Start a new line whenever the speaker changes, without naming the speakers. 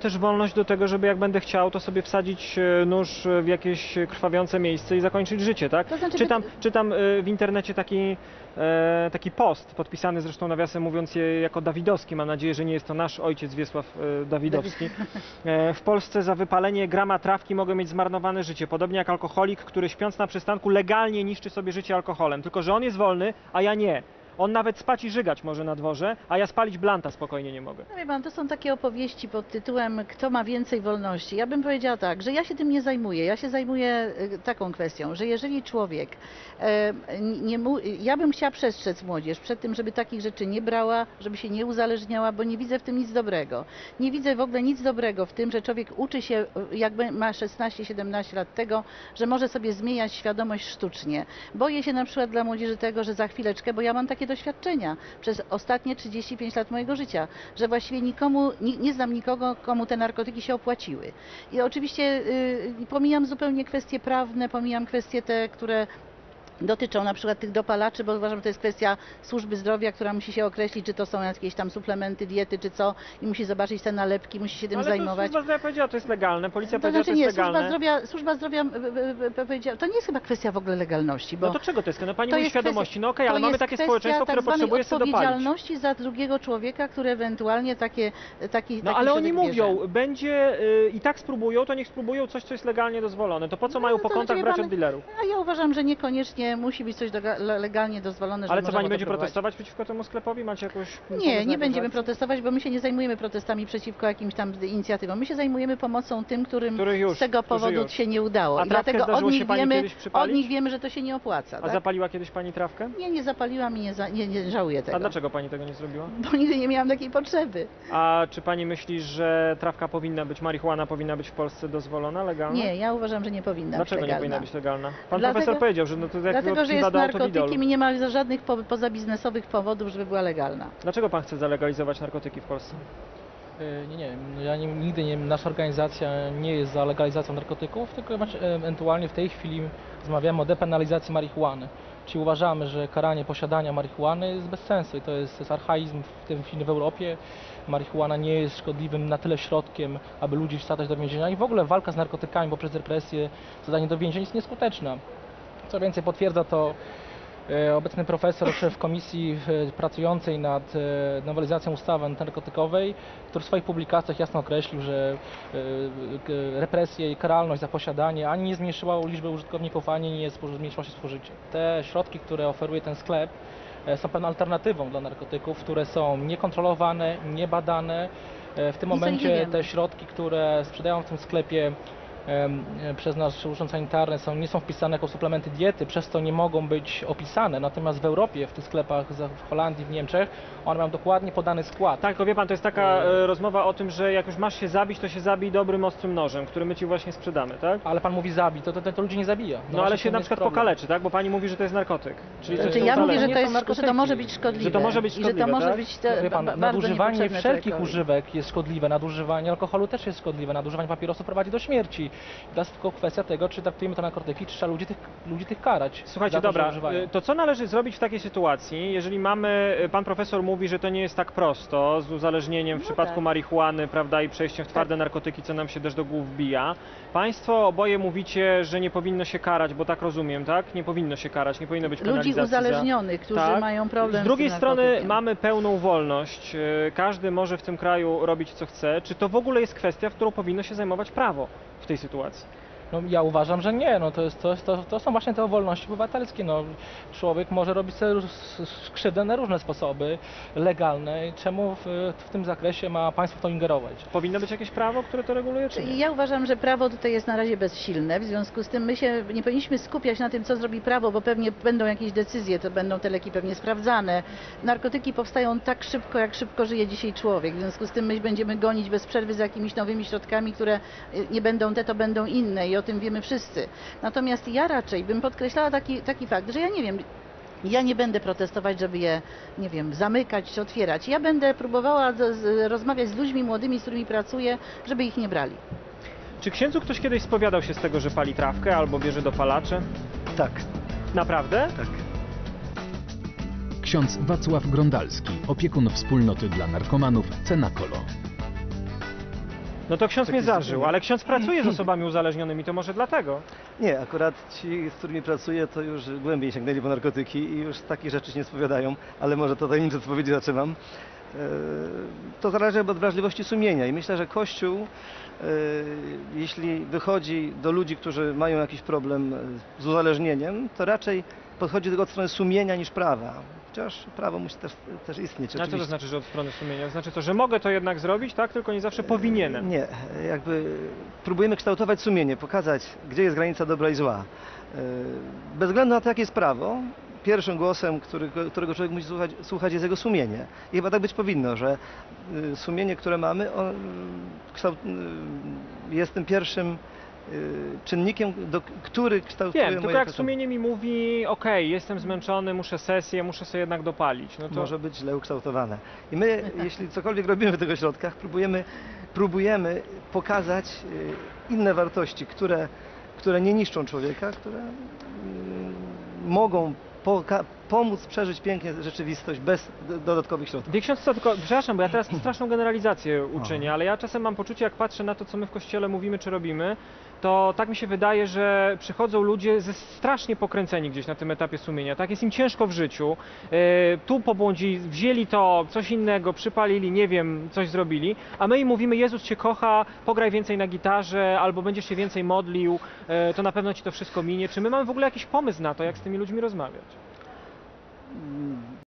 też wolność do tego, żeby jak będę chciał, to sobie wsadzić nóż w jakieś krwawiące miejsce i zakończyć życie, tak?
To znaczy,
Czytam w internecie taki post, podpisany zresztą nawiasem mówiąc jako Dawidowski, mam nadzieję, że nie jest to nasz ojciec Wiesław Dawidowski. W Polsce za wypalenie grama trawki mogę mieć zmarnowane życie, podobnie jak alkoholik, który śpiąc na przystanku legalnie niszczy sobie życie alkoholem, tylko że on jest wolny, a ja nie. On nawet spać i żygać może na dworze, a ja spalić blanta spokojnie nie mogę.
No wie pan, to są takie opowieści pod tytułem kto ma więcej wolności. Ja bym powiedziała tak, że ja się tym nie zajmuję. Ja się zajmuję taką kwestią, że jeżeli człowiek, ja bym chciała przestrzec młodzież przed tym, żeby takich rzeczy nie brała, żeby się nie uzależniała, bo nie widzę w tym nic dobrego. Nie widzę w ogóle nic dobrego w tym, że człowiek uczy się, jakby ma 16-17 lat tego, że może sobie zmieniać świadomość sztucznie. Boję się na przykład dla młodzieży tego, że za chwileczkę, bo ja mam takie doświadczenia przez ostatnie 35 lat mojego życia, że właściwie nie znam nikogo, komu te narkotyki się opłaciły. I oczywiście pomijam zupełnie kwestie prawne, pomijam kwestie te, które dotyczą na przykład tych dopalaczy, bo uważam, że to jest kwestia służby zdrowia, która musi się określić, czy to są jakieś tam suplementy, diety, czy co, i musi zobaczyć te nalepki, musi się tym zajmować.
Ale służba zdrowia powiedziała, to jest legalne, policja powiedziała, to jest legalne.
Służba zdrowia powiedziała, to nie jest chyba kwestia w ogóle legalności. Bo
no to czego to jest? No pani mówi świadomości, no okej, ale mamy takie społeczeństwo, które potrzebuje sobie dopalić.
Odpowiedzialności za drugiego człowieka, który ewentualnie taki
No ale oni mówią,
bierze.
będzie i tak spróbują, to niech spróbują coś, co jest legalnie dozwolone. To po co mają po kontach brać od dealerów?
A ja uważam, że niekoniecznie musi być coś legalnie dozwolone,
ale co, pani będzie protestować przeciwko temu sklepowi? Macie jakąś...
Nie będziemy protestować, bo my się nie zajmujemy protestami przeciwko jakimś tam inicjatywom. My się zajmujemy pomocą tym, którym z tego powodu się nie udało. I dlatego od nich wiemy, że to się nie opłaca.
A zapaliła kiedyś pani trawkę?
Nie zapaliłam i nie żałuję tego.
A dlaczego pani tego nie zrobiła?
Bo nigdy nie miałam takiej potrzeby.
A czy pani myśli, że trawka powinna być, marihuana powinna być w Polsce dozwolona, legalna?
Nie, ja uważam, że nie powinna
być legalna. Dlaczego nie powinna być legalna? Pan profesor powiedział, że no to
dlatego, że jest narkotykiem i nie ma żadnych pozabiznesowych powodów, żeby była legalna.
Dlaczego pan chce zalegalizować narkotyki w Polsce?
Nasza organizacja nie jest za legalizacją narkotyków, tylko ewentualnie w tej chwili rozmawiamy o depenalizacji marihuany. Czyli uważamy, że karanie posiadania marihuany jest bez sensu i to jest archaizm w tym chwili w Europie. Marihuana nie jest szkodliwym na tyle środkiem, aby ludzi wsadzać do więzienia i w ogóle walka z narkotykami poprzez represję, zadanie do więzień jest nieskuteczna. Co więcej, potwierdza to obecny profesor w komisji pracującej nad nowelizacją ustawy antynarkotykowej, który w swoich publikacjach jasno określił, że represje i karalność za posiadanie ani nie zmniejszyła liczby użytkowników, ani nie zmniejszyło się spożycie. Te środki, które oferuje ten sklep, są pewną alternatywą dla narkotyków, które są niekontrolowane, niebadane. W tym momencie te środki, które sprzedają w tym sklepie przez nasz urząd sanitarny nie są wpisane jako suplementy diety, przez to nie mogą być opisane. Natomiast w Europie, w tych sklepach w Holandii, w Niemczech, one mają dokładnie podany skład.
Tak, tylko wie pan, to jest taka rozmowa o tym, że jak już masz się zabić, to się zabij dobrym, ostrym nożem, który my ci właśnie sprzedamy, tak?
Ale pan mówi zabij, to ludzi nie zabija.
No ale się na przykład pokaleczy, tak? Bo pani mówi, że to jest narkotyk.
Czyli ja mówię, że to może być szkodliwe.
Że to może być szkodliwe,
i że to może być
nadużywanie wszelkich używek jest szkodliwe, nadużywanie alkoholu też jest szkodliwe, nadużywanie papierosów prowadzi do śmierci. Teraz tylko kwestia tego, czy traktujemy to narkotyki, czy trzeba ludzi tych karać.
Słuchajcie, dobra, to co należy zrobić w takiej sytuacji, jeżeli pan profesor mówi, że to nie jest tak prosto z uzależnieniem w przypadku marihuany, prawda, i przejściem w twarde narkotyki, co nam się też do głów wbija. Państwo oboje mówicie, że nie powinno się karać, bo tak rozumiem, tak? Nie powinno się karać, nie powinno być penalizacji.
Ludzi uzależnionych, którzy mają problem
z drugiej strony mamy pełną wolność, każdy może w tym kraju robić co chce. Czy to w ogóle jest kwestia, w którą powinno się zajmować prawo w tej sytuacji?
No, ja uważam, że nie. No, to są właśnie te wolności obywatelskie. No, człowiek może robić sobie krzywdę na różne sposoby legalne. Czemu w tym zakresie ma państwo w to ingerować?
Powinno być jakieś prawo, które to reguluje, czy nie?
Ja uważam, że prawo tutaj jest na razie bezsilne. W związku z tym my się nie powinniśmy skupiać na tym, co zrobi prawo, bo pewnie będą jakieś decyzje, to będą te leki pewnie sprawdzane. Narkotyki powstają tak szybko, jak szybko żyje dzisiaj człowiek. W związku z tym my będziemy gonić bez przerwy za jakimiś nowymi środkami, które nie będą te, to będą inne. I o tym wiemy wszyscy. Natomiast ja raczej bym podkreślała taki fakt, że ja nie wiem, ja nie będę protestować, żeby je, nie wiem, zamykać czy otwierać. Ja będę próbowała rozmawiać z ludźmi młodymi, z którymi pracuję, żeby ich nie brali.
Czy księdzu ktoś kiedyś spowiadał się z tego, że pali trawkę albo bierze dopalacze?
Tak.
Naprawdę?
Tak.
Ksiądz Wacław Grondalski, opiekun wspólnoty dla narkomanów Cenakolo.
No to ksiądz mnie
Takie
zażył,
zdziwienie.
ale ksiądz pracuje z osobami uzależnionymi, to może dlatego.
Nie, akurat ci, z którymi pracuję, to już głębiej sięgnęli po narkotyki i już takich rzeczy się nie spowiadają, ale może to tajemnicze spowiedzi zaczynam. To zależy od wrażliwości sumienia i myślę, że Kościół, jeśli wychodzi do ludzi, którzy mają jakiś problem z uzależnieniem, to raczej podchodzi do tego od strony sumienia niż prawa. Chociaż prawo musi też istnieć.
A co to
oczywiście.
znaczy, że od strony sumienia? Znaczy to, że mogę to jednak zrobić, tak? Tylko nie zawsze powinienem.
Nie, jakby próbujemy kształtować sumienie, pokazać, gdzie jest granica dobra i zła. Bez względu na to, jakie jest prawo, pierwszym głosem, którego człowiek musi słuchać, jest jego sumienie. I chyba tak być powinno, że sumienie, które mamy, jest tym pierwszym czynnikiem, który kształtuje
Wiem, tylko
moje
jak
potrzeby.
sumienie mi mówi, okej, jestem zmęczony, muszę sesję, muszę sobie jednak dopalić. No to
Może być źle ukształtowane. I my, jeśli cokolwiek robimy w tych ośrodkach, próbujemy pokazać inne wartości, które nie niszczą człowieka, które mogą pomóc przeżyć pięknie rzeczywistość bez dodatkowych środków.
wie ksiądz co, tylko, przepraszam, bo ja teraz straszną generalizację uczynię, ale ja czasem mam poczucie, jak patrzę na to, co my w Kościele mówimy czy robimy, to tak mi się wydaje, że przychodzą ludzie strasznie pokręceni gdzieś na tym etapie sumienia, tak? Jest im ciężko w życiu, tu pobłądzili, wzięli to, coś innego, przypalili, nie wiem, coś zrobili, a my im mówimy, Jezus Cię kocha, pograj więcej na gitarze, albo będziesz się więcej modlił, to na pewno Ci to wszystko minie. Czy my mamy w ogóle jakiś pomysł na to, jak z tymi ludźmi rozmawiać?